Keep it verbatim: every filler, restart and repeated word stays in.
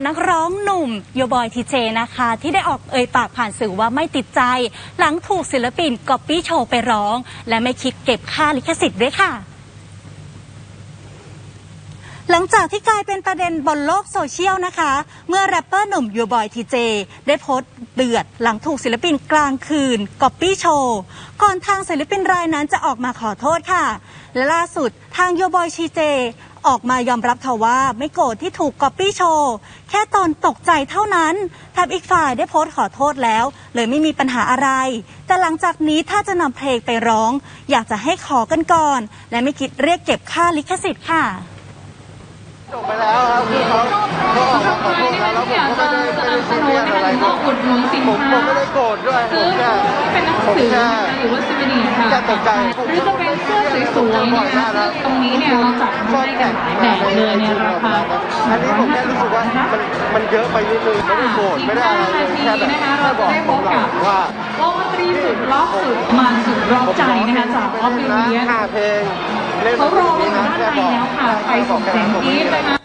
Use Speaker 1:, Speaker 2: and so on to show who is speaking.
Speaker 1: นักร้องหนุ่มโยบอยทีเจนะคะที่ได้ออกเอ่ยปากผ่านสื่อว่าไม่ติดใจหลังถูกศิลปินก๊อปปี้โชว์ไปร้องและไม่คิดเก็บค่าลิขสิทธิ์ด้วยค่ะหลังจากที่กลายเป็นประเด็นบนโลกโซเชียลนะคะเมื่อแรปเปอร์หนุ่มโยบอยทีเจได้โพสต์เดือดหลังถูกศิลปินกลางคืนก๊อปปี้โชว์ก่อนทางศิลปินรายนั้นจะออกมาขอโทษค่ะและล่าสุดทางโยบอยทีเจออกมายอมรับค่ะว่าไม่โกรธที่ถูกก๊อปปี้โชว์แค่ตอนตกใจเท่านั้นแถมอีกฝ่ายได้โพสต์ขอโทษแล้วเลยไม่มีปัญหาอะไรแต่หลังจากนี้ถ้าจะนำเพลงไปร้องอยากจะให้ขอกันก่อนและไม่คิดเรียกเก็บค่าลิขสิทธิ์ค่ะ
Speaker 2: จบไปแล้วครับคือเขาเขาออกมาขอโทษแล้วแล้วผมก็ไม่ได้ไม่ได้ซีเรียสอะไรผมผมผมไม่ได้โกรธด้วยผมแค่
Speaker 3: เป็นหนังสือหรือว่าซีดีค่ะ
Speaker 2: แค่ตกใจ
Speaker 3: หรือจะเป็นเสื้อสวยๆนะคะตรงนี้เนี่ยเราจัดให้กันหลายแบบเลยในราคา
Speaker 2: อันนี้ผมแค่รู้สึกว่ามันมันเยอะไปนิดนึงไม่ได้โกรธไม่ได้อะไรเลยแค่แบบแค่บอกผมหลังว่าว
Speaker 3: งดนตรีสุดล็อกสุดมันสุดร้องใจนะคะจากออฟฟิเลียน
Speaker 2: ห้าเพลง
Speaker 3: เขารออยู่ด้านในแล้วค่ะไปส่งเสียงกรี๊ดนะคะ